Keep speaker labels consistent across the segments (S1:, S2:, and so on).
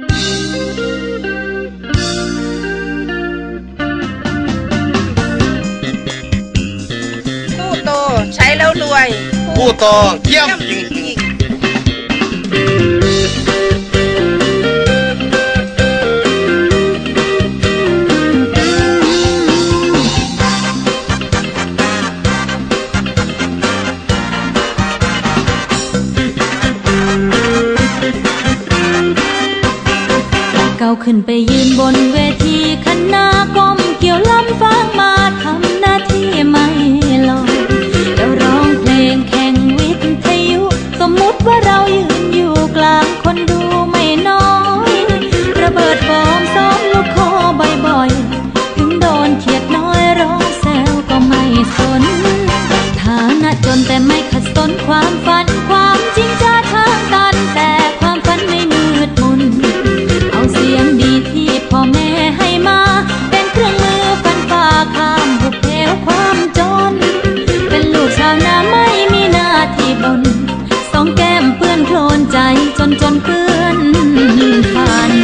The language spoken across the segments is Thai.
S1: คู่โตใช้แล้วรวย
S2: คู่โตเยี่ยมจริง
S3: ขึ้นไปยืนบนเวทีคณะก้มเกี่ยวลำฟังมาทำหน้าที่ไม่ลอยแล้วร้องเพลงแข่งวิทยุสมมุติว่าเรายืนอยู่กลางคนดูไม่น้อยระเบิดฟอร์มซ้อมลูกคอบ่อยๆถึงโดนเขียดน้อยร้องแซวก็ไม่สนฐานะจนแต่ไม่ขัดสนความฝันความจริงจะทางตันแต่ความฝันไม่มืดมนเสียงดีที่พ่อแม่ให้มาเป็นเครื่องมือฟันฝ่าข้ามหุบเหวความจนเป็นลูกชาวนาไม่มีหน้าที่บนสองแก้มเปื้อนโคลนใจจนเปื้อนพัน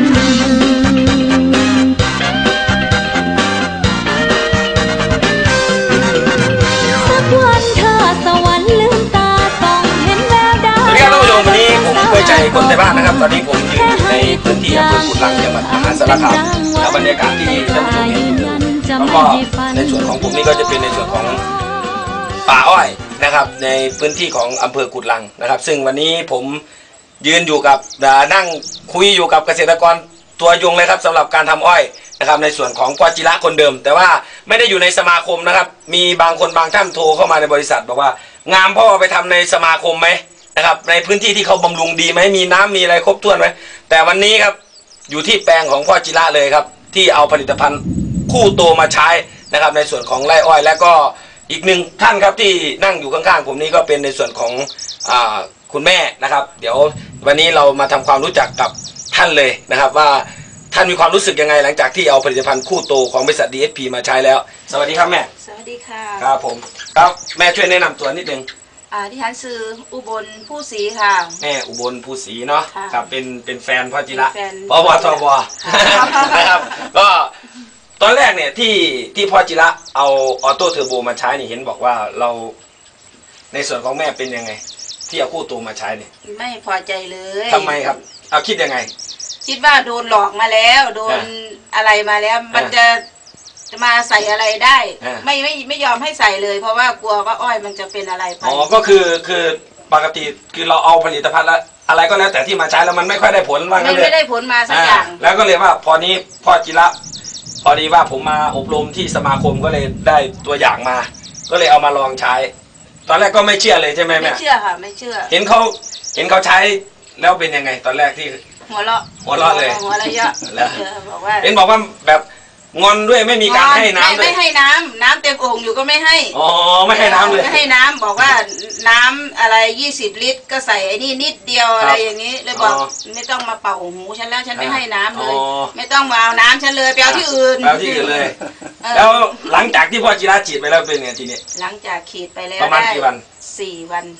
S3: สักวันถ้าสวรรค์ลืมตาต้องเห็นแววดาว
S2: สวัสดีครับท่านผู้ชมวันนี้ผมเคยใจคนในบ้านนะครับตอนนี้ผมอยู่ในพื้นที่อำเภอกุดลังจังหวัดมหาสารคามแล้วบรรยากาศที่ท่านผู้ชมเห็นแล้วก็ในส่วนของผมนี่ก็จะเป็นในส่วนของป่าอ้อยนะครับในพื้นที่ของอำเภอกุดลังนะครับซึ่งวันนี้ผมยืนอยู่กับนั่งคุยอยู่กับเกษตรกรตัวยงเลยครับสำหรับการทำอ้อยนะครับในส่วนของพ่อจิระคนเดิมแต่ว่าไม่ได้อยู่ในสมาคมนะครับมีบางคนบางท่านโทรเข้ามาในบริษัทบอกว่างามพ่อไปทำในสมาคมไหมนะครับในพื้นที่ที่เขาบำรุงดีไหมมีน้ำมีอะไรครบถ้วนไหมแต่วันนี้ครับอยู่ที่แปลงของพ่อจิระเลยครับที่เอาผลิตภัณฑ์คู่โตมาใช้นะครับในส่วนของไร่อ้อยและก็อีกหนึ่งท่านครับที่นั่งอยู่ข้างๆผมนี่ก็เป็นในส่วนของคุณแม่นะครับเดี๋ยววันนี้เรามาทำความรู้จักกับท่านเลยนะครับว่าท่านมีความรู้สึกยังไงหลังจากที่เอาผลิตภัณฑ์คู่โตของบริษัท DSP มาใช้แล้วสวัสดีครับแม่
S1: สวัสดีค่ะ
S2: ครับผมครับแม่ช่วยแนะนำตัวนิดนึง
S1: ดิฉันชื่ออุบลผู้ศรีค่ะ
S2: แม่อุบลผู้ศรีเนาะครับเป็นแฟนพ่อจิระปวทบนะครับก็ตอนแรกเนี่ยที่พ่อจิระเอาออโต้เทอร์โบมาใช้นี่เห็นบอกว่าเราในส่วนของแม่เป็นยังไงที่เอาคู่โตมาใช้เนี่ย
S1: ไม่พอใจเลย
S2: ทำไมครับเอาคิดยังไง
S1: คิดว่าโดนหลอกมาแล้วโดนอะไรมาแล้วมันจะมาใส่อะไรได้ไม่ยอมให้ใส่เลยเพราะว่ากลัวว่าอ้อยมันจะเป็นอะไรไป
S2: อ๋อก็คือปกติคือเราเอาผลิตภัณฑ์แล้วอะไรก็แล้วแต่ที่มาใช้แล้วมันไม่ค่อยได้ผลว่างั้นเลย
S1: ไม่ได้ผลมาสักอย่าง
S2: แล้วก็เลยว่าพอนี้พ่อจิระพอดีว่าผมมาอบรมที่สมาคมก็เลยได้ตัวอย่างมาก็เลยเอามาลองใช้ตอนแรกก็ไม่เชื่อเลยใช่ไหมแม่
S1: ไม่เชื่อค่ะไม่เชื่อ
S2: เห็นเขาใช้แล้วเป็นยังไงตอนแรกที่
S1: หัวเราะเลย
S2: หัวเราะเยอะ
S1: แล้ว
S2: บอกว่าแบบงอนด้วยไม่มีการให้น้ำ
S1: ไม่ให้น้ำเต็มโอ่งอยู่ก็ไม่ให้
S2: อ๋อไม่ให้น้ำเลย
S1: ไม่ให้น้ำบอกว่าน้ำอะไร20 ลิตรก็ใส่ไอ้นี่นิดเดียวอะไรอย่างนี้เลยบอกไม่ต้องมาเป่าหูฉันแล้วฉันไม่ให้น้ำเลยไม่ต้องมาเอาน้ำฉันเลยไปเอาที่อื่น
S2: เลยแล้วหลังจากที่พ่อจิระฉีดไปแล้วเป็นไงทีนี้
S1: หลังจากฉีดไปแล้ว
S2: ประมาณกี่วัน
S1: 4 วัน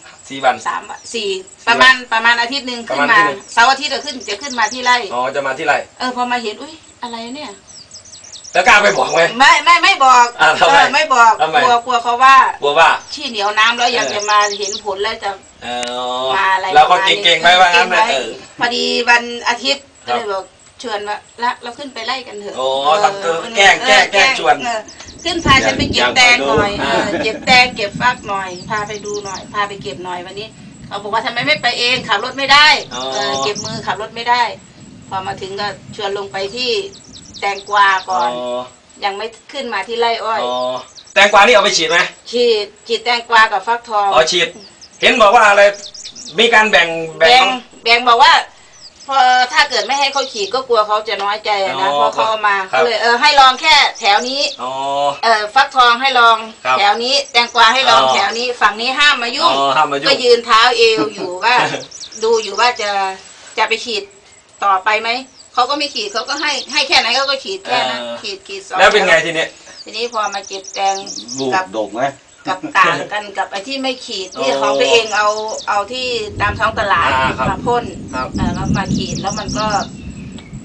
S2: 3 วัน
S1: 4ประมาณอาทิตย์นึงขึ้นมาเสาร์อาทิตย์จะขึ้นมาที่ไร่
S2: อ๋อจะมาที่ไร่
S1: พอมาเห็นอุ้ยอะไรเนี่ย
S2: แล้วกล้าไปบอกไหม
S1: ไม่บอกไม่บอกกลัวเขาว่าขี้เหนียวน้ำแล้วอยากจะมาเห็นผลแล้วจะมาอะไร
S2: เราก็เก่งๆไปว่างั้นนะ
S1: พอดีวันอาทิตย์ก็เลยบอกชวนว่าเราขึ้นไปไล่กันเถอะ
S2: โอ้ทำตัวแกล้งชวน
S1: ขึ้นพาฉันไปเก็บแตงหน่อยเก็บแตงเก็บฟักหน่อยพาไปดูหน่อยพาไปเก็บหน่อยวันนี้เขาบอกว่าทำไมไม่ไปเองขับรถไม่ได้เก็บมือขับรถไม่ได้พอมาถึงก็ชวนลงไปที่แตงกวาก่อนยังไม่ขึ้นมาที่ไร่อ้อย
S2: แตงกวานี่เอาไปฉีดไหม
S1: ฉีดแตงกวากับฟักทอง
S2: ฉีดเห็นบอกว่าอะไรมีการแบ่ง
S1: บอกว่าพอถ้าเกิดไม่ให้เขาฉีดก็กลัวเขาจะน้อยใจนะเพราะเขามาก็เลยให้ลองแค่แถวนี้ฟักทองให้ลองแถวนี้แตงกวาให้ลองแถวนี้ฝั่งนี้ห้ามมายุ่งก็ยืนเท้าเอวอยู่ว่าดูอยู่ว่าจะไปฉีดต่อไปไหมเขาก็ไม่ขีดเขาก็ให้แค่ไหนเขาก็ขีดแค่นั้นขีด
S2: แล้วเป็นไงทีนี้
S1: พอมาเก็บแตง
S2: กับโด่งไหม
S1: กับต่างกันกับไอ้ที่ไม่ขีดที่ของตัวเองเอาที่ตามท้องตลาดมาพ่นแล้วมาขีดแล้วมันก็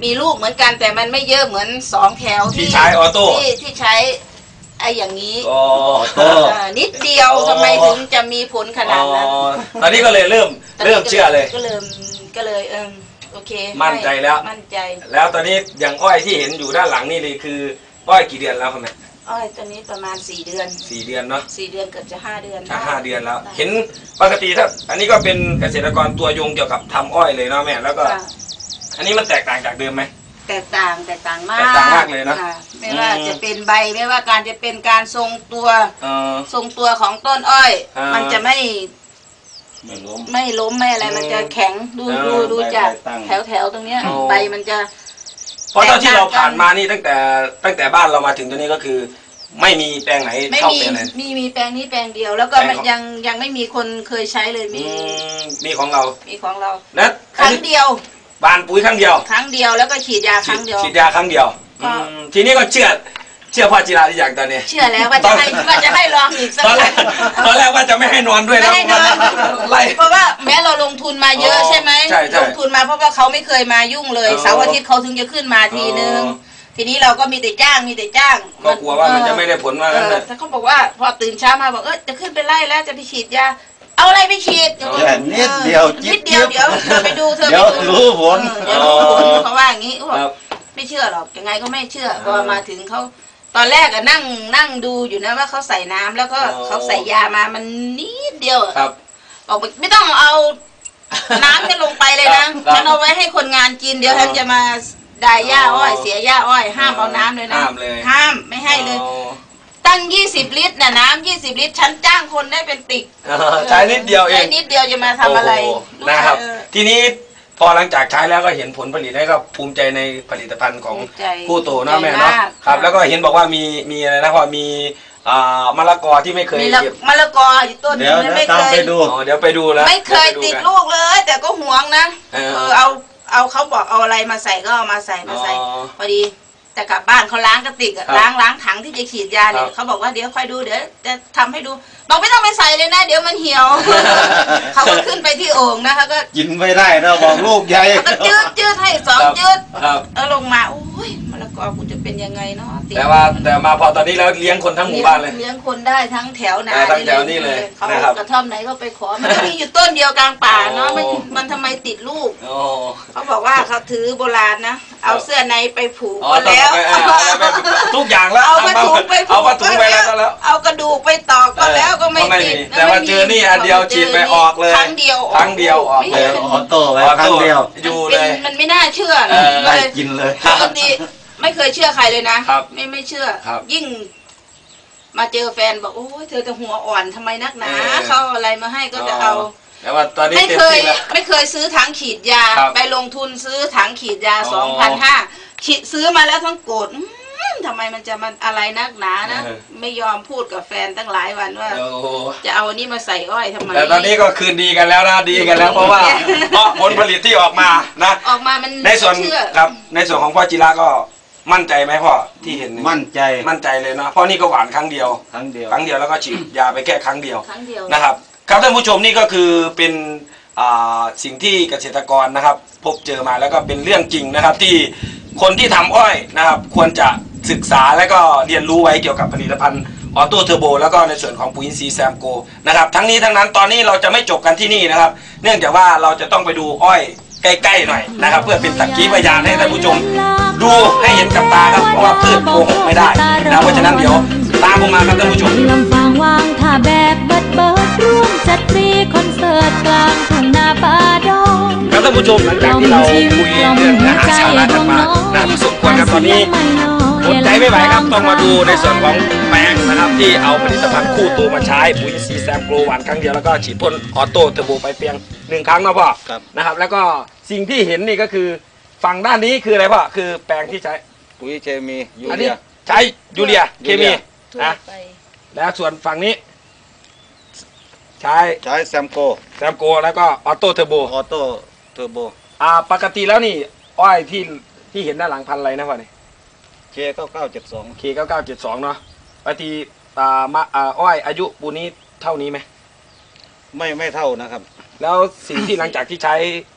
S1: มีลูกเหมือนกันแต่มันไม่เยอะเหมือน2 แถว
S2: ที่ใช้ออโต้
S1: ที่ใช้ไอ้อย่างนี้
S2: อ๋อ
S1: นิดเดียวทำไมถึงจะมีผลขนาดนั้น
S2: ตอนนี้ก็เลยเริ่มเชื่อเลย
S1: ก็เลยโอเค
S2: มั่นใจแล้ว
S1: มั่นใจ
S2: แล้วตอนนี้อย่างอ้อยที่เห็นอยู่ด้านหลังนี่เลยคืออ้อยกี่เดือนแล้วครับแม่
S1: อ้อยตอนนี้ประมาณ4 เดือน
S2: 4 เดือนเนาะ
S1: 4 เดือนเกือบจะ5 เดือน
S2: จะ5 เดือนแล้วเห็นปกติถ้าอันนี้ก็เป็นเกษตรกรตัวยงเกี่ยวกับทำอ้อยเลยเนาะแม่แล้วก็อันนี้มันแตกต่างจากเดิมไหม
S1: แตกต่างมาก
S2: เลยนะ
S1: ไม่ว่าจะเป็นใบไม่ว่าการจะเป็นการทรงตัวของต้นอ้อยมันจะไม่ล้มไม่อะไรมันจะแข็งดูจากแถวตรงเนี้ยใบมันจะ
S2: เพราะตอนที่เราผ่านมานี่ตั้งแต่บ้านเรามาถึงตัวนี้ก็คือไม่มีแปลงไหนเข้าแปลงไหน
S1: มีแปลงนี้แปลงเดียวแล้วก็มันยังไม่มีคนเคยใช้เลย
S2: มีของเรา
S1: นะครั้งเดียว
S2: บานปุ๋ยครั้งเดียว
S1: แล้วก็ฉีดยาครั้งเดียว
S2: ทีนี้ก็เชื่อพ่อจิราที่อย่างตอนนี้
S1: เชื่อแล้วว่าจะให้ลองอีกสัก
S2: ตอนแรกว่าจะไม่ให้นอนด้วยนะ
S1: เพราะว่าแม้เราลงทุนมาเยอะใช่ไหมลงทุนมาเพราะว่าเขาไม่เคยมายุ่งเลยเสาร์อาทิตย์เขาถึงจะขึ้นมาทีนึงทีนี้เราก็มีแต่จ้าง
S2: ก็กลัวว่ามันจะไม่ได้ผลมาก
S1: ถ้าเขาบอกว่าพอตื่นเช้ามาบอกจะขึ้นไปไล่แล้วจะไปฉีดยาเอาอะไรไปฉีด
S4: นิดเดียว
S1: เดี๋ยวเธอไปดู
S4: รู้ผล
S1: เขาว่าอย่างนี้ไม่เชื่อหรอกยังไงก็ไม่เชื่อพอมาถึงเขาตอนแรกนั่งดูอยู่นะว่าเขาใส่น้ำแล้วก็เขาใส่ยามามันนิดเดียวบอกไม่ต้องเอาน้ำจะลงไปเลยนะฉันเอาไว้ให้คนงานกินเดี๋ยวฉันจะมาได้หญ้าอ้อยเสียหญ้าอ้อยห้ามเอาน้ำเลยนะห้ามไม่ให้เลยตั้ง20 ลิตรน่ะน้ำ20 ลิตรฉันจ้างคนได้เป็นติก
S2: ใช้นิดเดียวเอง
S1: นิดเดียวจะมาทำอะไร
S2: นะครับทีนี้พอหลังจากใช้แล้วก็เห็นผลผลิตได้ก็ภูมิใจในผลิตภัณฑ์ของคู่โตนะแม่เนาะครับแล้วก็เห็นบอกว่ามีอะไรนะพอมีมะละกอที่ไม่เคยเก็บ
S1: มะละกออยู่ต้นนึงไม่เคย
S2: เดี๋ยวไปดูแล้ว
S1: ไม่เคยติดลูกเลยแต่ก็หวงนะเอาเขาบอกเอาอะไรมาใส่ก็เอามาใส่พอดีแต่กลับบ้านเขาล้างกระติกล้างถังที่จะฉีดยาเนี่ยเขาบอกว่าเดี๋ยวค่อยดูเดี๋ยวจะทำให้ดูบอกไม่ต้องไปใส่เลยนะเดี๋ยวมันเหี่ยวเขาก็ขึ้นไปที่โอ่งนะคะก็
S4: กินไม่ได้นะบอกลูกใหญ่
S1: ก็จืดให้2 จืดแล้วลงมาโอ้ยมะละกอกูจะเป็นยังไงเนาะ
S2: แต่มาพอตอนนี้แล้วเลี้ยงคนทั้งหมู่บ้านเลย
S1: เลี้ยงคนได้ทั้งแถวนา
S2: ทั้งแถวนี้เลย
S1: เขากระท่อมไหนก็ไปขอมันมีอยู่ต้นเดียวกลางป่าเนาะมันทำไมติดลูกเขาบอกว่าเขาถือโบราณนะเอาเสื้อในไปผูกแล้ว
S2: ทุกอย่างแล้ว
S1: เอากระดูกไปผูก
S2: ไปแล้ว
S1: เอากระดูกไปตอกก็แล้วก็ไม่ติด
S2: แต่ว่าเจอนี่อันเดียวฉีดไปออกเลย
S1: ครั้งเดียว
S2: ออกเลย
S4: ออโต้ไว้ครั้งเดียว
S2: อยู่เลย
S1: มันไม่น่าเชื่อ
S4: เลยกินเลย
S1: ปกติไม่เคยเชื่อใครเลยนะไม่เชื่อยิ่งมาเจอแฟนบอกโอ้ยเธอจะหัวอ่อนทำไมนักหนาเขาอะไรมาให้ก็จะเอา
S2: แต่ว่าตอนนี้
S1: ไม่เคยซื้อถังฉีดยาไปลงทุนซื้อถังฉีดยา 2,500 ฉีดซื้อมาแล้วทั้งโกรธทำไมมันจะมันอะไรนักหนานะไม่ยอมพูดกับแฟนตั้งหลายวันว่าจะเอาอันนี้มาใส่อ้อยทำไม
S2: แต่ตอนนี้ก็คืนดีกันแล้วนะดีกันแล้วเพราะว่าผลผลิตที่ออกมานะ
S1: ออกมามัน
S2: ในส่วนครับในส่วนของพ่อจิราก็มั่นใจไหมพ่อที่เห็น
S4: มั่นใจ
S2: เลยนะเพราะนี่ก็หวานครั้งเดียวแล้วก็ฉีดยาไปแค่ครั้งเดียวนะครับครับท่านผู้ชมนี่ก็คือเป็นสิ่งที่เกษตรกรนะครับพบเจอมาแล้วก็เป็นเรื่องจริงนะครับที่คนที่ทำอ้อยนะครับควรจะศึกษาและก็เรียนรู้ไว้เกี่ยวกับผลิตภัณฑ์ออโต้เทอร์โบแล้วก็ในส่วนของปุ๋ยอินทรีย์แซมโกนะครับทั้งนี้ทั้งนั้นตอนนี้เราจะไม่จบกันที่นี่นะครับเนื่องจากว่าเราจะต้องไปดูอ้อยใกล้ๆหน่อยนะครับเพื่อเป็นสักขีพยานให้ท่านผู้ชมดูให้เห็นกับตาครับเพราะว่าพืชโกหกไม่ได้นะเพราะฉะนั้นเดี๋ยวตามผมมาครับท่านผู้ชม
S3: ลำฟางวางท่าแบบเบิดร่วมจัดฟรีคอนเสิร์ตกลางทุ่งนาป่าดง
S2: ครับท่านผู้ชมหลังจากที่เราคุยเรื่องเนื้อหาสาระกันมาน่าสมควรครับตอนนี้อดใจไม่ไหวครับต้องมาดูในส่วนของแปลงนะครับที่เอาผลิตภัณฑ์คู่ตัวมาใช้ปุ๋ยอินทรีย์แซมโกลหวานครั้งเดียวแล้วก็ฉีดพ่นออโต้เทอร์โบไปเพียง1 ครั้งนะพ่อนะครับแล้วก็สิ่งที่เห็นนี่ก็คือฝั่งด้านนี้คืออะไรพ่อคือแปลงที่ใช้
S4: ปุ๋ยเคมียูเรีย
S2: ใช้ยูเรียเคมีนะแล้วส่วนฝั่งนี้ใช้
S4: แซมโก
S2: แล้วก็ออโต้เทอร์โบปกติแล้วนี่อ้อยที่เห็นด้านหลังพันอะไรนะพ่อนี่K9972เนาะปกติอ้อยอายุปูนี้เท่านี้ไหม
S4: ไม่เท่านะครับ
S2: แล้วสิ่งที่หลังจากที่ใช้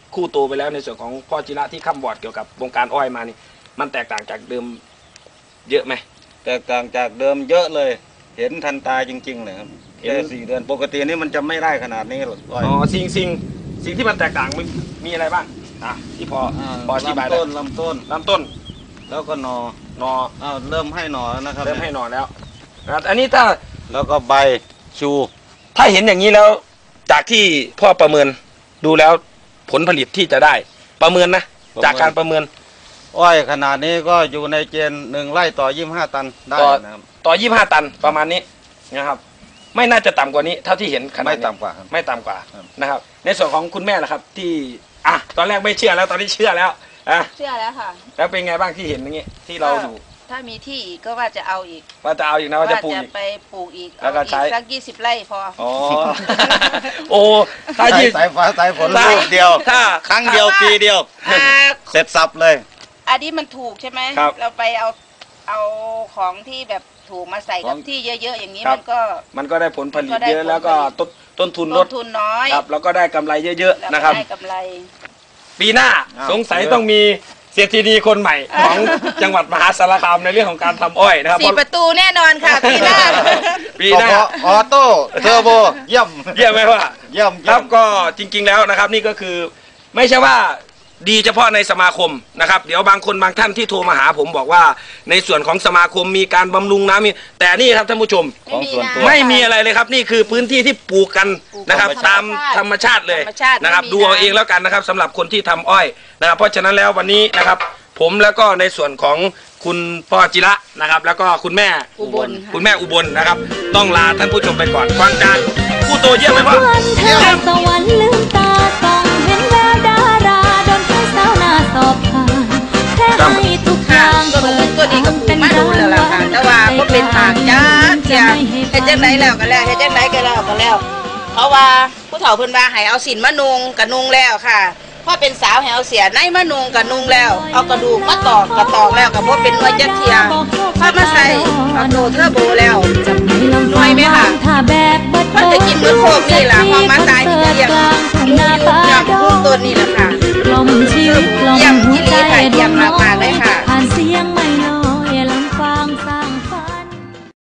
S2: คู่โตไปแล้วในส่วนของพ่อจิระที่ค้ำบอร์ดเกี่ยวกับวงการอ้อยมานี่มันแตกต่างจากเดิมเยอะไหม
S4: แตกต่างจากเดิมเยอะเลยเห็นทันตาจริงๆเลยครับแค่4 เดือนปกตินี่มันจะไม่ได้ขนาดนี้หรอกอ้อย
S2: อ๋อสิ่งที่มันแตกต่างมีอะไรบ้างที่พออธิบายได้
S4: ลำต้นแล้วก็หนอเริ่มให้หนอแล้วนะครับ
S2: เริ่มให้หนอแล้วอันนี้ถ้า
S4: แล้วก็ใบชู
S2: ถ้าเห็นอย่างนี้แล้วจากที่พ่อประเมินดูแล้วผลผลิตที่จะได้ประเมินนะจากการประเมิน
S4: อ้อยขนาดนี้ก็อยู่ในเกณฑ์1 ไร่ต่อ 25 ตันได้นะครับ
S2: ต่อ25 ตันประมาณนี้นะครับไม่น่าจะต่ำกว่านี้เท่าที่เห็นขนาด
S4: ไม่ต่ำกว่า
S2: นะครับในส่วนของคุณแม่นะครับที่ตอนแรกไม่เชื่อแล้วตอนนี้เชื่อแล้ว
S1: เชื่อแล้วค่ะ
S2: แล้วเป็นไงบ้างที่เห็นอย่างนี้ที่เราดู
S1: ถ้ามีที่อีกก็ว่าจะเอาอีก
S2: นะว่าจะปลูก
S1: ไปปลูกอีกแล้วก็ใช้สัก20 ไร่พอ
S2: โอ้ถ้า
S4: สายฟ้าสายฝนลูกเดียวครั้งเดียวปีเดียวเสร็จสับเลย
S1: อันนี้มันถูกใช่ไหมเราไปเอาของที่แบบถูกมาใส่กับที่เยอะๆอย่างนี้
S2: มันก็ได้ผลผลิตเยอะแล้วก็ต้นทุนลด
S1: น้อย
S2: ครับแล้วก็ได้กำไรเยอะๆนะครับ
S1: ได้กำไร
S2: ปีหน้าสงสัยต้องมีเศรษฐีนีคนใหม่ของจังหวัดมหาสารคามในเรื่องของการทำอ้อยนะครับ
S1: 4 ประตูแน่นอนค่ะปีหน้า
S4: ออโต้เทอร์โบเยี่ยม
S2: ไหมว่า
S4: เยี่ยม
S2: ครับก็จริงๆแล้วนะครับนี่ก็คือไม่ใช่ว่าดีเฉพาะในสมาคมนะครับเดี๋ยวบางคนบางท่านที่โทรมาหาผมบอกว่าในส่วนของสมาคมมีการบำรุงน้ำแต่นี่ครับท่านผู้ชม
S4: ของส่วนตัว
S2: ไม่มีอะไรเลยครับนี่คือพื้นที่ที่ปลูกกันนะครับตามธรรมชาติเลยนะครับดูเอาเองแล้วกันนะครับสำหรับคนที่ทำอ้อยนะครับเพราะฉะนั้นแล้ววันนี้นะครับผมแล้วก็ในส่วนของคุณพ่อจิระนะครับแล้วก็คุณแม่อุบลนะครับต้องลาท่านผู้ชมไปก่อนฟังการผู้โตเยี่ยมไหมพ่อ
S3: เยี่ยมสวรรค์ลืมตาส่องเห็นแววดาราโดนให้สาวหน้าสอบผ่านแค่ให้ทุกอย่าง
S1: ตัวนี้กับปู่มาดูแล้วล่ะค่ะแต่ว่าก็เป็นทางจ้าเสียเฮ็ดจังไดแล้วก็แล้วเฮ็ดจังไดก็แล้วเพราะว่าผู้เฒ่าเพิ่นว่าให้เอาสินมะนุงกับนุงแล้วค่ะพอเป็นสาวให้เอาเสียในมะนุงกับนุงแล้วเอากระดูกมาตอกแล้วก็บ่เป็นหน่วยจักเทียพอมาใส่เอาโตเทอร์โบแล้วหน่วยไหมค่ะมันจะกินมื้อโคกนี่ล่ะพอมาตายที่เรียกยุ่งต้นนี่แหละค่ะเยี่ยมที่นี่ค่ะเยี่ยมมากๆเลยค่ะ